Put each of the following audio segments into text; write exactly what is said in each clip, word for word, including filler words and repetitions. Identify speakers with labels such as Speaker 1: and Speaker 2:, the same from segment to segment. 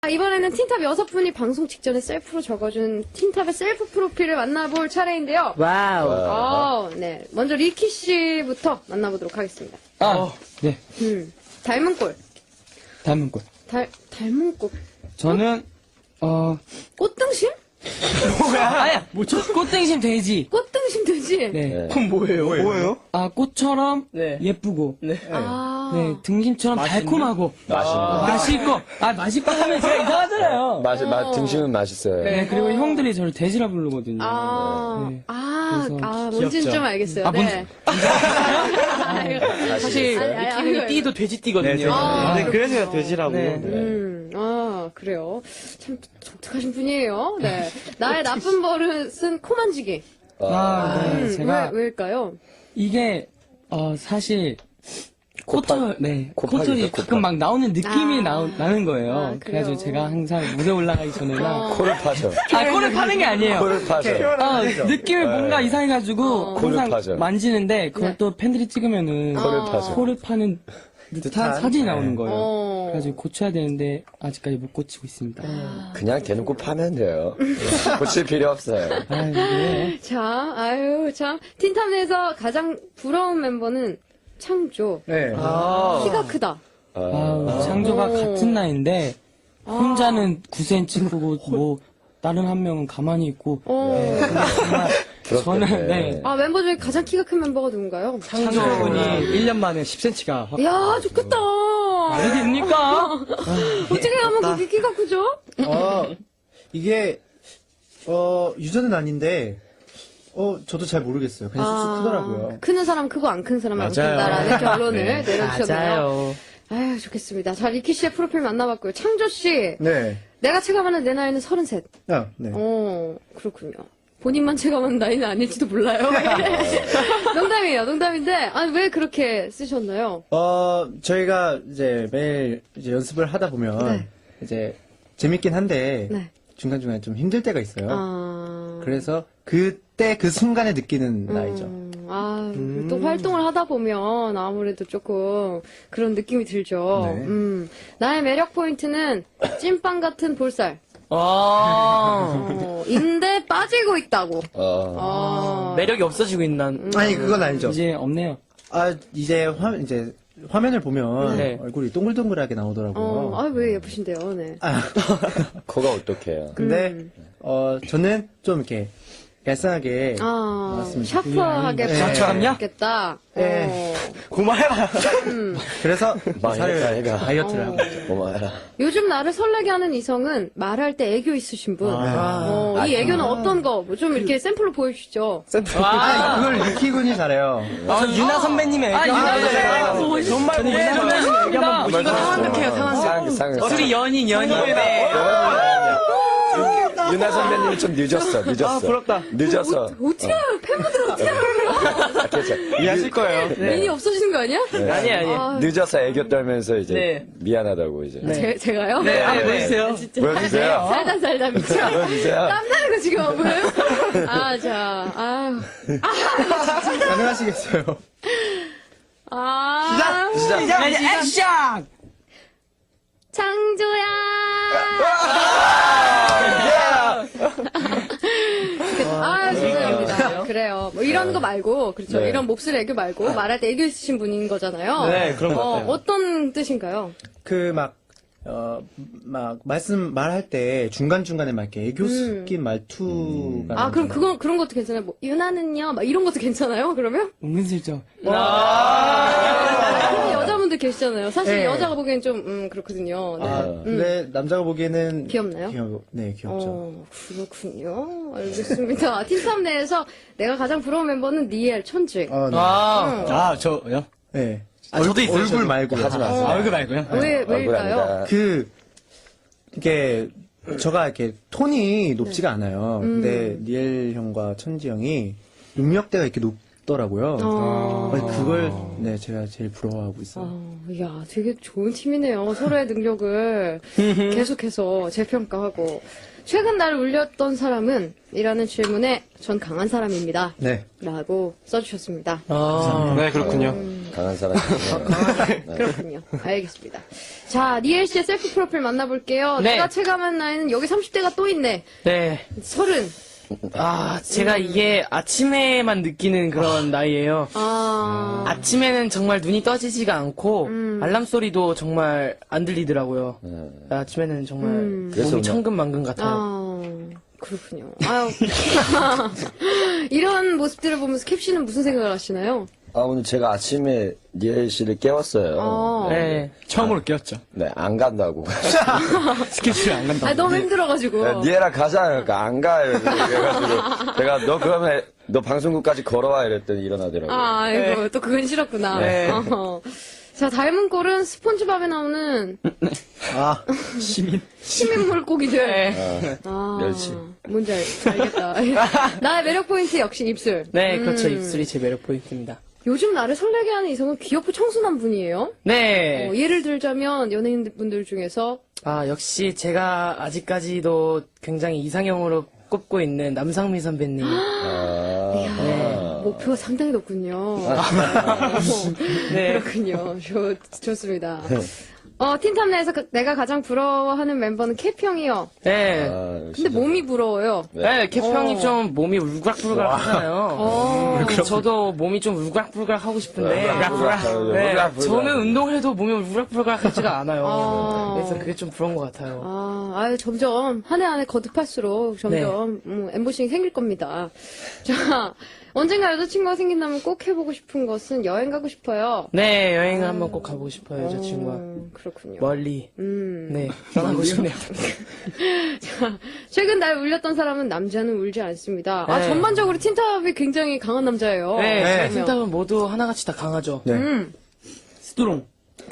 Speaker 1: 이번에는 틴탑 여섯 분이 방송 직전에 셀프로 적어준 틴탑의 셀프 프로필을 만나볼 차례인데요.
Speaker 2: 와우.
Speaker 1: 어, 네. 먼저 리키 씨부터 만나보도록 하겠습니다.
Speaker 2: 아, 네.
Speaker 1: 음, 닮은 꼴.
Speaker 2: 닮은 꽃.
Speaker 1: 달, 닮은 꽃.
Speaker 2: 저는, 어,
Speaker 1: 꽃등심?
Speaker 2: 아야, 뭐, 저, 꽃등심 돼지.
Speaker 1: 꽃등심 되지?
Speaker 2: 네.
Speaker 3: 그럼 뭐예요? 뭐예요?
Speaker 2: 아, 꽃처럼
Speaker 3: 네.
Speaker 2: 예쁘고.
Speaker 3: 네.
Speaker 1: 아.
Speaker 2: 네, 등심처럼 달콤하고.
Speaker 4: 맛있는 거.
Speaker 2: 맛있고. 아, 맛있고 하면 제가 이상하잖아요.
Speaker 4: 맛, 맛, 등심은 맛있어요.
Speaker 2: 네, 그리고 형들이 저를 돼지라 부르거든요.
Speaker 1: 아,
Speaker 2: 네.
Speaker 1: 아,
Speaker 2: 그래서
Speaker 1: 아, 뭔지는
Speaker 3: 귀엽죠?
Speaker 1: 좀 알겠어요.
Speaker 2: 아,
Speaker 1: 네.
Speaker 3: 사실
Speaker 1: 아니, 아니, 아니,
Speaker 3: 리키는 띠도 돼지띠거든요.
Speaker 1: 아,
Speaker 3: 네, 그래서 제가 돼지라고.
Speaker 2: 네.
Speaker 1: 음, 아, 그래요. 참 독특하신 분이에요. 네. 나의 나쁜 버릇은 코 만지기.
Speaker 2: 아, 네.
Speaker 1: 음,
Speaker 2: 제가,
Speaker 1: 왜, 왜일까요?
Speaker 2: 이게, 어, 사실,
Speaker 4: 콧파-
Speaker 2: 코털, 네.
Speaker 4: 콧파기죠,
Speaker 2: 코털이
Speaker 4: 콧파.
Speaker 2: 가끔 막 나오는 느낌이
Speaker 1: 아.
Speaker 2: 나오, 나는 거예요.
Speaker 1: 아, 그래요?
Speaker 2: 그래가지고 제가 항상 무대 올라가기 전에나.
Speaker 1: 어.
Speaker 4: 코를 파죠.
Speaker 2: 아, 코를 파는 게 아니에요.
Speaker 4: 코를 파죠.
Speaker 2: 아, 느낌이 뭔가 이상해가지고
Speaker 1: 어.
Speaker 4: 코를
Speaker 2: 항상
Speaker 4: 파죠.
Speaker 2: 만지는데 그걸
Speaker 1: 네.
Speaker 2: 또 팬들이 찍으면은
Speaker 1: 어.
Speaker 4: 코를 파죠.
Speaker 2: 코를 파는 듯한 사진이 나오는 거예요.
Speaker 1: 어.
Speaker 2: 그래가지고 고쳐야 되는데 아직까지 못 고치고 있습니다.
Speaker 4: 그냥 대놓고 파면 돼요. 고칠 필요 없어요.
Speaker 2: 아, 네.
Speaker 1: 자, 아유, 참. 틴탑 내에서 가장 부러운 멤버는 창조.
Speaker 3: 네.
Speaker 1: 키가 크다.
Speaker 2: 아우, 창조가
Speaker 1: 오.
Speaker 2: 같은 나이인데 혼자는 구 센티미터 크고 뭐 다른 한 명은 가만히 있고
Speaker 1: 어.
Speaker 2: 정말 저는 네.
Speaker 1: 아, member 중에 가장 키가 큰 멤버가 누군가요?
Speaker 3: 창조분이 일 년 만에 십 센티미터가 확.
Speaker 1: 이야, 좋겠다.
Speaker 2: 말이 됩니까?
Speaker 1: 어떻게 하면 그렇게 키가 크죠?
Speaker 5: 어, 이게, 어, 유전은 아닌데, 어, 저도 잘 모르겠어요. 그냥 쑥쑥 크더라고요.
Speaker 1: 크는 사람 크고 안 큰 사람은 안
Speaker 3: 맞아요.
Speaker 1: 큰다라는 결론을
Speaker 5: 네.
Speaker 1: 내려주셨네요. 아유, 좋겠습니다. 자, 리키 씨의 프로필 만나봤고요. 창조 씨,
Speaker 5: 네.
Speaker 1: 내가 체감하는 내 나이는 서른셋.
Speaker 5: 아, 네.
Speaker 1: 어, 그렇군요. 본인만 체감하는 나이는 아닐지도 몰라요. 농담이에요, 농담인데, 아니, 왜 그렇게 쓰셨나요?
Speaker 5: 어, 저희가 이제 매일 이제 연습을 하다 보면,
Speaker 1: 네.
Speaker 5: 이제 재밌긴 한데,
Speaker 1: 네.
Speaker 5: 중간중간에 좀 힘들 때가 있어요.
Speaker 1: 아.
Speaker 5: 그래서 그때 그 순간에 느끼는 나이죠.
Speaker 1: 음, 아, 또 활동을 하다 보면 아무래도 조금 그런 느낌이 들죠.
Speaker 5: 네.
Speaker 1: 음, 나의 매력 포인트는 찐빵 같은 볼살.
Speaker 3: 아.
Speaker 1: 어, 인데 빠지고 있다고.
Speaker 4: 어.
Speaker 1: 어,
Speaker 3: 매력이 없어지고 있는.
Speaker 5: 아니, 그건 아니죠.
Speaker 2: 이제 없네요.
Speaker 5: 아, 이제 화, 이제 화면을 보면
Speaker 3: 네.
Speaker 5: 얼굴이 동글동글하게 나오더라고요.
Speaker 1: 어, 아, 왜 예쁘신데요, 네.
Speaker 5: 아,
Speaker 4: 코가 어떡해요.
Speaker 5: 근데,
Speaker 1: 음.
Speaker 5: 어, 저는 좀 이렇게 얄쌍하게,
Speaker 1: 아,
Speaker 5: 맞습니다.
Speaker 1: 샤프하게
Speaker 5: 네.
Speaker 1: 빠졌겠다.
Speaker 5: 네.
Speaker 3: 고마해라.
Speaker 5: 그래서
Speaker 4: 망했다,
Speaker 5: 살을
Speaker 4: 얘가.
Speaker 5: 다이어트를 하고 있죠.
Speaker 4: 고마워라.
Speaker 1: 요즘 나를 설레게 하는 이성은 말할 때 애교 있으신 분. 어, 이 애교는 어떤 거? 뭐좀 이렇게 샘플로 보여주시죠.
Speaker 5: 아, 그걸 리키 군이 잘해요.
Speaker 3: 아, 유나 선배님의 애교.
Speaker 2: 아, 유나
Speaker 3: 네.
Speaker 2: 선배님 보고 싶-
Speaker 3: 정말
Speaker 2: 저는 유나 선배님 애교 한번 보고
Speaker 3: 이거 상황극해요, 상황극.
Speaker 4: 상, 상,
Speaker 3: 둘이 연인, 연인. 네.
Speaker 4: 유나 선배님이 좀 늦었어, 늦었어.
Speaker 3: 아, 부럽다.
Speaker 4: 늦었어.
Speaker 1: 어떻게 알아요? 팬분들은 어떻게 알아요?
Speaker 4: 괜찮아.
Speaker 3: 이해하실 거예요.
Speaker 1: 민이 없어지는 거 아니야?
Speaker 3: 아니, 아니.
Speaker 1: 아,
Speaker 4: 늦어서 애교 떨면서 이제
Speaker 3: 네.
Speaker 4: 미안하다고 이제.
Speaker 1: 제, 제가요?
Speaker 3: 네, 한번
Speaker 4: 네.
Speaker 3: 보여주세요.
Speaker 4: 보여주세요.
Speaker 1: 살다 살다 미쳐.
Speaker 4: 보여주세요.
Speaker 1: 땀나는 거 지금 안 보여요? 아, 자, 아.
Speaker 5: 가능하시겠어요?
Speaker 1: 아.
Speaker 4: 시작.
Speaker 2: 이제 액션!
Speaker 1: 창조야! 아, 죄송합니다. 그래요. 뭐 이런 거 말고, 그렇죠.
Speaker 4: 네.
Speaker 1: 이런 몹쓸 애교 말고, 말할 때 애교 있으신 분인 거잖아요.
Speaker 3: 네, 그런 것
Speaker 1: 어,
Speaker 3: 같아요.
Speaker 1: 어떤 뜻인가요?
Speaker 5: 그 막, 어, 막, 말씀, 말할 때 중간중간에 막 이렇게 애교 섞인 말투가.
Speaker 1: 아, 그럼 그건, 그런 것도 괜찮아요. 뭐, 유나는요? 막 이런 것도 괜찮아요? 그러면?
Speaker 2: 은근슬쩍.
Speaker 1: 그런 여자분들 계시잖아요. 사실
Speaker 5: 네.
Speaker 1: 여자가 보기엔 좀, 음, 그렇거든요. 네.
Speaker 5: 아, 근데 남자가 보기에는.
Speaker 1: 귀엽나요?
Speaker 5: 귀여, 네, 귀엽죠.
Speaker 1: 어, 그렇군요. 알겠습니다. 틴탑 내에서 내가 가장 부러운 멤버는 니엘, 천지.
Speaker 5: 어, 네.
Speaker 3: 아, 아, 저요?
Speaker 5: 네.
Speaker 3: 아, 저도 있어요,
Speaker 5: 얼굴
Speaker 3: 저도.
Speaker 5: 말고.
Speaker 4: 하지 마세요.
Speaker 3: 아, 얼굴 말고요?
Speaker 1: 왜,
Speaker 4: 얼굴
Speaker 1: 왜일까요?
Speaker 4: 아니다.
Speaker 5: 그, 이게, 저가 이렇게 톤이 높지가 않아요. 근데 니엘 형과 천지 형이 음역대가 이렇게 높더라고요.
Speaker 1: 어.
Speaker 5: 아니, 그걸, 네, 제가 제일 부러워하고 있어요.
Speaker 1: 아, 이야, 되게 좋은 팀이네요. 서로의 능력을 계속해서 재평가하고. 최근 나를 울렸던 사람은? 이라는 질문에 전 강한 사람입니다.
Speaker 5: 네.
Speaker 1: 라고 써주셨습니다.
Speaker 3: 아, 네, 그렇군요.
Speaker 1: 음,
Speaker 4: 강한 사람이에요.
Speaker 1: 그렇군요. 알겠습니다. 자, 니엘 씨의 셀프 프로필 만나볼게요.
Speaker 3: 네.
Speaker 1: 내가 체감한 나이는 여기 삼십 대가 또 있네.
Speaker 3: 네.
Speaker 1: 서른.
Speaker 3: 아, 제가 이게 아침에만 느끼는 그런 나이예요.
Speaker 1: 아,
Speaker 3: 아침에는 정말 눈이 떠지지가 않고 알람 소리도 정말 안 들리더라고요. 아침에는 정말
Speaker 1: 음.
Speaker 4: 그래서
Speaker 3: 몸이
Speaker 4: 뭐-
Speaker 3: 천근만근 같아요.
Speaker 1: 아, 그렇군요. 아유. 이런 모습들을 보면서 캡 씨는 무슨 생각을 하시나요?
Speaker 4: 아, 오늘 제가 아침에 니엘 씨를 깨웠어요.
Speaker 1: 아,
Speaker 3: 네.
Speaker 2: 처음으로 깨웠죠.
Speaker 4: 네, 안 간다고.
Speaker 2: 스케줄이 안 간다고.
Speaker 1: 아, 너무 힘들어가지고.
Speaker 4: 네, 니엘아 가자. 그러니까 안 가요. 그래가지고 제가 너 그러면 너 방송국까지 걸어와 이랬더니 일어나더라고요.
Speaker 1: 아, 아이고, 또 그건 싫었구나.
Speaker 3: 네.
Speaker 1: 어허. 자, 닮은 꼴은 스폰지밥에 나오는
Speaker 5: 아,
Speaker 2: 시민.
Speaker 1: 시민 물고기들.
Speaker 3: 네.
Speaker 1: 아,
Speaker 4: 멸치.
Speaker 1: 뭔지 알, 알겠다. 나의 매력 포인트 역시 입술.
Speaker 3: 네, 그렇죠.
Speaker 1: 음.
Speaker 3: 입술이 제 매력 포인트입니다.
Speaker 1: 요즘 나를 설레게 하는 이성은 귀엽고 청순한 분이에요.
Speaker 3: 네.
Speaker 1: 어, 예를 들자면 연예인분들 중에서
Speaker 3: 아, 역시 제가 아직까지도 굉장히 이상형으로 꼽고 있는 남상미 선배님.
Speaker 4: 아,
Speaker 1: 이야, 목표가 상당히 높군요. 어,
Speaker 3: 네.
Speaker 1: 그렇군요. 좋, 좋습니다. 어, 틴탑 내에서 그- 내가 가장 부러워하는 멤버는 캐피 형이요.
Speaker 3: 네.
Speaker 4: 아,
Speaker 1: 근데
Speaker 4: 진짜.
Speaker 1: 몸이 부러워요.
Speaker 3: 네, 캡 형이
Speaker 1: 어.
Speaker 3: 좀 몸이 울그락불그락 하잖아요.
Speaker 1: 어.
Speaker 3: 저도 몸이 좀 울그락불그락 하고 싶은데.
Speaker 4: 울그락불그락.
Speaker 3: 네,
Speaker 4: 울그락불그락.
Speaker 3: 저는 운동해도 몸이 울그락불그락 하지가 않아요.
Speaker 1: 아.
Speaker 3: 그래서 그게 좀 부러운 것 같아요.
Speaker 1: 아, 아유, 점점, 한 해 한 해 거듭할수록 점점, 음, 엠보싱이 생길 겁니다. 자, 언젠가 여자친구가 생긴다면 꼭 해보고 싶은 것은 여행 가고 싶어요.
Speaker 3: 네, 여행을 한번 꼭 가보고 싶어요, 여자친구와.
Speaker 1: 어, 그렇군요.
Speaker 3: 멀리.
Speaker 1: 음.
Speaker 3: 네, 떠나고 싶네요.
Speaker 1: 자, 최근 날 울렸던 사람은 남자는 울지 않습니다. 아,
Speaker 3: 네.
Speaker 1: 전반적으로 틴탑이 굉장히 강한 남자예요.
Speaker 3: 네,
Speaker 5: 네.
Speaker 3: 틴탑은 모두 하나같이 다 강하죠.
Speaker 5: 네.
Speaker 1: 음.
Speaker 2: 스트롱.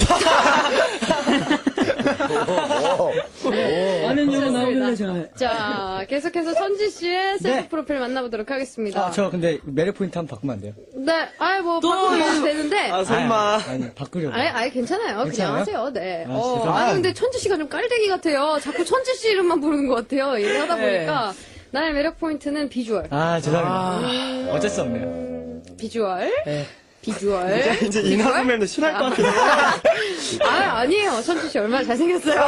Speaker 2: 아는 영어 나오길래 제가.
Speaker 1: 자, 계속해서 천지 씨의 셀프
Speaker 2: 네.
Speaker 1: 프로필 만나보도록 하겠습니다.
Speaker 2: 아, 저 근데 매력 포인트 한번 바꾸면 안 돼요?
Speaker 1: 네, 아이, 뭐, 바꾸면 되는데.
Speaker 2: 아, 설마. 아니, 아니, 바꾸려고.
Speaker 1: 아니, 아니, 괜찮아요. 그냥
Speaker 2: 괜찮아요?
Speaker 1: 하세요. 네.
Speaker 2: 아,
Speaker 1: 어,
Speaker 2: 죄송합니다.
Speaker 1: 아니, 근데 천지 씨가 좀 깔대기 같아요. 자꾸 천지 씨 이름만 부르는 것 같아요. 얘기하다
Speaker 3: 네.
Speaker 1: 보니까. 나의 매력 포인트는 비주얼.
Speaker 2: 아, 죄송합니다. 어쩔 수 없네요.
Speaker 1: 비주얼.
Speaker 3: 네.
Speaker 1: 비주얼.
Speaker 5: 이제 이나 선배도 싫어할 것 같아요.
Speaker 1: 아, 아니에요. 천지 씨 얼마나 잘생겼어요.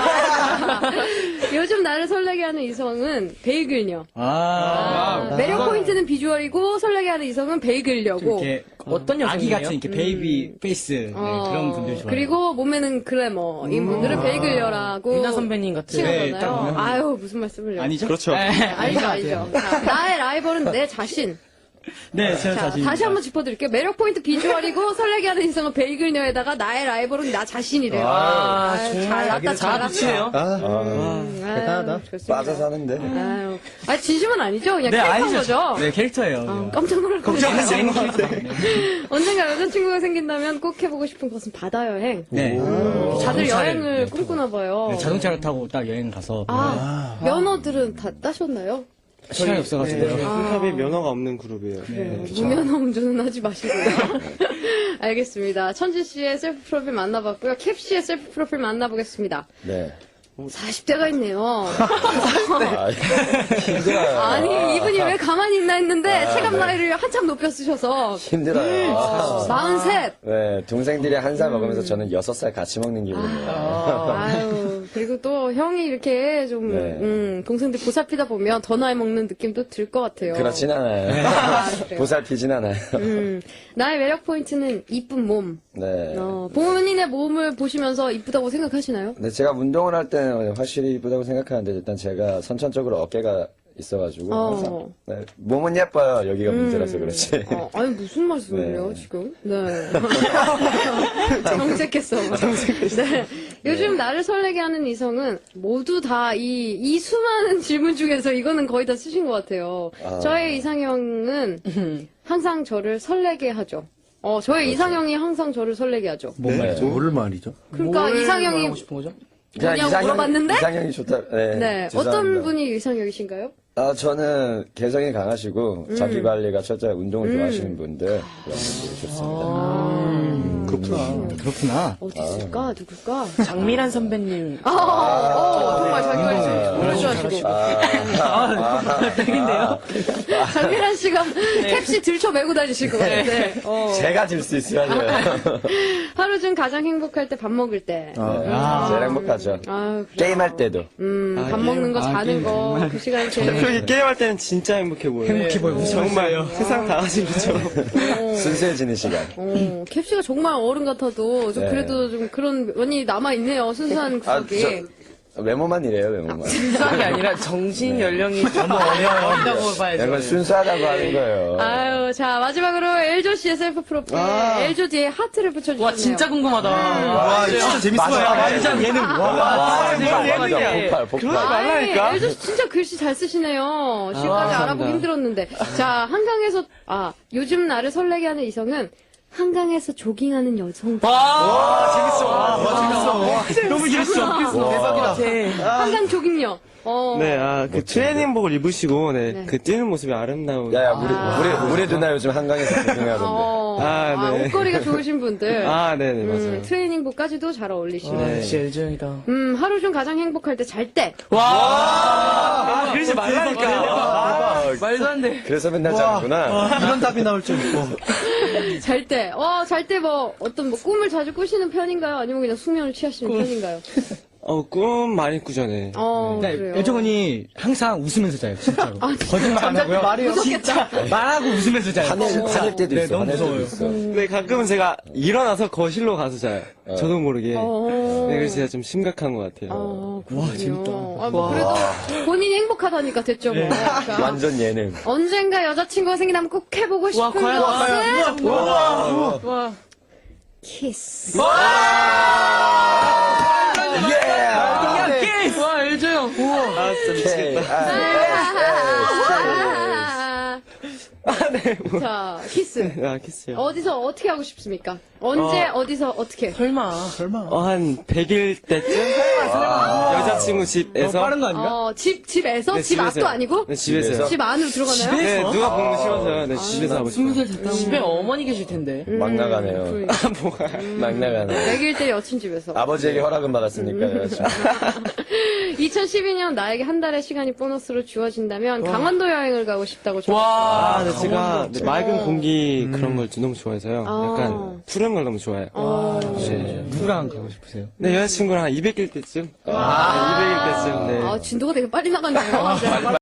Speaker 1: 요즘 나를 설레게 하는 이성은 베이글녀.
Speaker 2: 아,
Speaker 1: 아, 매력 포인트는 비주얼이고 설레게 하는 이성은 베이글녀고.
Speaker 2: 이렇게
Speaker 3: 어떤
Speaker 2: 아기
Speaker 3: 여성이에요?
Speaker 2: 같은 이렇게 베이비 페이스 네,
Speaker 1: 어,
Speaker 2: 그런 분들 좋아해요.
Speaker 1: 그리고 몸매는 글래머. 이 분들은 베이글녀라고.
Speaker 3: 유나 선배님 같은.
Speaker 1: 칭하잖아요.
Speaker 2: 네, 딱 보면.
Speaker 1: 아유, 무슨 말씀을요.
Speaker 2: 아니죠?
Speaker 5: 그렇죠.
Speaker 2: 네,
Speaker 1: 알죠, 알죠. 자, 나의 라이벌은 내 자신.
Speaker 2: 네, 제가
Speaker 1: 자,
Speaker 2: 자신.
Speaker 1: 다시 한번 짚어드릴게요. 매력 포인트 비주얼이고 설레게 하는 인성은 베이글녀에다가 나의 라이벌은 나 자신이래요.
Speaker 3: 아,
Speaker 1: 아유,
Speaker 3: 정말
Speaker 1: 잘 났다, 잘 났다.
Speaker 3: 붙이네요.
Speaker 5: 아,
Speaker 1: 음, 아유,
Speaker 5: 대단하다.
Speaker 1: 좋습니다.
Speaker 4: 빠져 사는데.
Speaker 1: 아유, 아 진심은 아니죠? 그냥
Speaker 2: 네,
Speaker 1: 캐릭터인
Speaker 2: 아니죠.
Speaker 1: 거죠?
Speaker 2: 네, 캐릭터예요.
Speaker 1: 어,
Speaker 2: 네.
Speaker 1: 깜짝 놀랄 거예요.
Speaker 2: 메인 캐릭터. 네.
Speaker 1: 언젠가 여자친구가 생긴다면 꼭 해보고 싶은 것은 바다 여행.
Speaker 2: 네.
Speaker 1: 다들
Speaker 2: 자동차를,
Speaker 1: 여행을
Speaker 2: 네,
Speaker 1: 꿈꾸나 봐요.
Speaker 2: 네, 자동차를 타고 딱 여행 가서
Speaker 1: 아, 면허들은 다 따셨나요?
Speaker 2: 시간이 없어가지고요.
Speaker 5: 네, 틴탑이 면허가 없는 그룹이에요.
Speaker 1: 네, 무면허 운전은 하지 마시고요. 알겠습니다. 천지 씨의 셀프 프로필 만나봤고요. 캡 씨의 셀프 프로필 만나보겠습니다.
Speaker 4: 네.
Speaker 1: 사십 대가 있네요.
Speaker 4: 아, 힘들어요.
Speaker 1: 아니, 이분이 왜 가만히 있나 했는데, 체감 나이를 한참 높여 쓰셔서,
Speaker 4: 힘들어요. 아,
Speaker 1: 마흔셋.
Speaker 4: 네, 동생들이 한 살 먹으면서 저는 여섯 살 같이 먹는 기분이에요.
Speaker 1: 아유, 그리고 또 형이 이렇게 좀,
Speaker 4: 네.
Speaker 1: 음, 동생들 보살피다 보면 더 나이 먹는 느낌도 들 것 같아요.
Speaker 4: 그렇진 않아요.
Speaker 1: 아, 그래요?
Speaker 4: 보살피진 않아요.
Speaker 1: 음, 나의 매력 포인트는 이쁜 몸.
Speaker 4: 네.
Speaker 1: 어, 본인의 몸을 보시면서 이쁘다고 생각하시나요?
Speaker 4: 근데 제가 운동을 할 때는 확실히 이쁘다고 생각하는데 일단 제가 선천적으로 어깨가 있어가지고
Speaker 1: 어.
Speaker 4: 항상 네, 몸은 예뻐요. 여기가 문제라서 그렇지.
Speaker 1: 어, 아니, 무슨 말씀이에요,
Speaker 4: 네.
Speaker 1: 지금? 네. 정색했어. 네. 요즘 나를 설레게 하는 이성은 모두 다 이, 이 수많은 질문 중에서 이거는 거의 다 쓰신 것 같아요.
Speaker 4: 아.
Speaker 1: 저의 이상형은 항상 저를 설레게 하죠. 어, 저의 이상형이 항상 저를 설레게 하죠.
Speaker 5: 네? 뭘 말이죠?
Speaker 1: 그러니까
Speaker 3: 뭘
Speaker 1: 이상형이
Speaker 3: 말하고 싶은 거죠?
Speaker 1: 뭐냐고 물어봤는데?
Speaker 4: 이상형이 좋다. 네.
Speaker 1: 네.
Speaker 4: 죄송합니다.
Speaker 1: 어떤 분이 이상형이신가요?
Speaker 4: 아, 저는 개성이 강하시고 자기 관리가 철저히 운동을 좋아하시는 분들 그런 분들이 좋습니다.
Speaker 5: 그렇구나.
Speaker 2: 그렇구나.
Speaker 1: 어디 있을까? 누굴까?
Speaker 3: 장미란 선배님.
Speaker 1: 아, 어, 어, 정말 자기 관리
Speaker 4: 아,
Speaker 1: 정말 좋아하시고.
Speaker 4: 아,
Speaker 2: 아, 딱인데요.
Speaker 1: 장미란 씨가 캡시 들쳐 메고 다니실 것 같은데. 어.
Speaker 4: 제가 질 수 있어야죠.
Speaker 1: 하루 중 가장 행복할 때 밥 먹을 때.
Speaker 5: 아,
Speaker 4: 제일 행복하죠.
Speaker 1: 아, 그래요.
Speaker 4: 게임할 때도.
Speaker 1: 음, 밥 먹는 거,
Speaker 2: 아,
Speaker 1: 자는
Speaker 2: 게임
Speaker 1: 거, 그 시간이 제일.
Speaker 6: 저기 게임할 때는 진짜 행복해 보여요.
Speaker 2: 행복해 보여요.
Speaker 6: 정말 세상 다 가진 것처럼.
Speaker 4: 순수해지는 시간.
Speaker 1: 어, 캡시가 정말 어른 같아도 좀
Speaker 4: 네.
Speaker 1: 그래도 좀 그런 면이 남아있네요. 순수한
Speaker 4: 아,
Speaker 1: 구석이.
Speaker 4: 저, 외모만 이래요, 외모만.
Speaker 3: 순수한 게 아니라 정신 연령이 너무 어린다고 봐야죠.
Speaker 4: 약간 순수하다고 하는 거예요.
Speaker 1: 아유, 자, 마지막으로 엘조 씨의 셀프 프로필. 엘조 뒤에 하트를 붙여주셨네요.
Speaker 3: 와, 진짜 궁금하다.
Speaker 5: 와, 이거 진짜 재밌어요.
Speaker 6: 완전 예능. 와,
Speaker 3: 대박,
Speaker 6: 예능이야.
Speaker 4: 폭발, 폭발.
Speaker 6: 그러지 말라니까.
Speaker 1: 엘조 씨 진짜 글씨 잘 쓰시네요. 지금까지 알아보기 힘들었는데. 자, 한강에서, 아, 요즘 나를 설레게 하는 이성은 한강에서 조깅하는 여성.
Speaker 3: 와, 재밌어.
Speaker 5: 와, 재밌어.
Speaker 6: 너무 재밌어.
Speaker 3: 대박이다.
Speaker 1: 한강 조깅요. 어.
Speaker 6: 네, 아, 그 트레이닝복을 입으시고, 네,
Speaker 1: 네.
Speaker 6: 그 뛰는 모습이 아름다운.
Speaker 4: 야, 야, 우리, 우리, 우리 누나 요즘 한강에서 구경하던데.
Speaker 1: 어.
Speaker 6: 아,
Speaker 1: 아,
Speaker 6: 네.
Speaker 1: 옷걸이가 좋으신 분들.
Speaker 6: 아, 네네,
Speaker 1: 음,
Speaker 6: 맞아요.
Speaker 1: 트레이닝복까지도 잘 어울리시네.
Speaker 3: 아, 역시 엘지 형이다.
Speaker 1: 음, 하루 중 가장 행복할 때 잘 때.
Speaker 3: 와,
Speaker 6: 아, 그러지 말라니까.
Speaker 4: 아,
Speaker 3: 말도 안 돼.
Speaker 4: 그래서 맨날 자는구나.
Speaker 5: 이런 답이 나올 줄 있고.
Speaker 1: 잘 때. 어, 잘 때 뭐, 어떤 뭐 꿈을 자주 꾸시는 편인가요? 아니면 그냥 숙면을 취하시는 편인가요?
Speaker 6: 어, 꿈 많이 꾸잖아요.
Speaker 1: 어, 그래요.
Speaker 2: 그러니까 엘정은이 항상 웃으면서 자요, 진짜로.
Speaker 1: 아,
Speaker 2: 거짓말 안 하고요.
Speaker 5: 말이요.
Speaker 2: 진짜 말하고 웃으면서 자요.
Speaker 4: 하늘, 하늘 때도
Speaker 2: 네,
Speaker 4: 있어,
Speaker 2: 너무
Speaker 4: 하늘 때도
Speaker 2: 무서워요.
Speaker 4: 있어.
Speaker 6: 네, 가끔은 제가 일어나서 거실로 가서 자요. 저도 모르게.
Speaker 1: 어.
Speaker 6: 네, 그래서 제가 좀 심각한 것 같아요.
Speaker 1: 어, 와, 재밌다. 아, 뭐, 그래도 본인이 행복하다니까 됐죠, 뭐. 자,
Speaker 4: 완전 예능.
Speaker 1: 언젠가 여자친구가 생기면 꼭 해보고 싶은
Speaker 3: 와, 과연,
Speaker 1: 것은?
Speaker 3: 와.
Speaker 1: 키스.
Speaker 4: 예!
Speaker 3: 와, 엘지 형. 우와.
Speaker 6: 아, 진짜 미치겠다.
Speaker 1: 자, 키스.
Speaker 6: 아, 키스요.
Speaker 1: 어디서 어떻게 하고 싶습니까? 언제, 어, 디서 어떻게?
Speaker 3: 설마.
Speaker 6: 어, 한 백 일 때쯤? 여자친구 집에서.
Speaker 2: 빠른 거 아닌가?
Speaker 1: 어, 집, 집에서?
Speaker 6: 네,
Speaker 1: 집
Speaker 6: 집에서요.
Speaker 1: 앞도 아니고?
Speaker 6: 네, 집에서요.
Speaker 1: 집 안으로 들어가나요?
Speaker 6: 네, 누가 보면 싫어서요. 네, 집에서 하고 싶어요.
Speaker 3: 집에 어머니 계실 텐데.
Speaker 4: 막 나가네요.
Speaker 1: 그러니까.
Speaker 4: 막 나가네.
Speaker 1: 백일 때 여친 집에서.
Speaker 4: 아버지에게 허락은 받았으니까요.
Speaker 1: 이천십이 년 나에게 한 달의 시간이 보너스로 주어진다면 강원도 여행을 가고 싶다고 저.
Speaker 3: 와.
Speaker 6: 아, 네, 제가 네, 맑은 공기 그런 걸 너무 좋아해서요.
Speaker 1: 아.
Speaker 6: 약간 푸른 걸 너무 좋아해요. 네.
Speaker 2: 누구랑 가고 싶으세요?
Speaker 6: 네, 여자친구랑 한 이백 일 때쯤? 아, 이백 일 때쯤, 네.
Speaker 1: 아, 진도가 되게 빨리 나갔네요.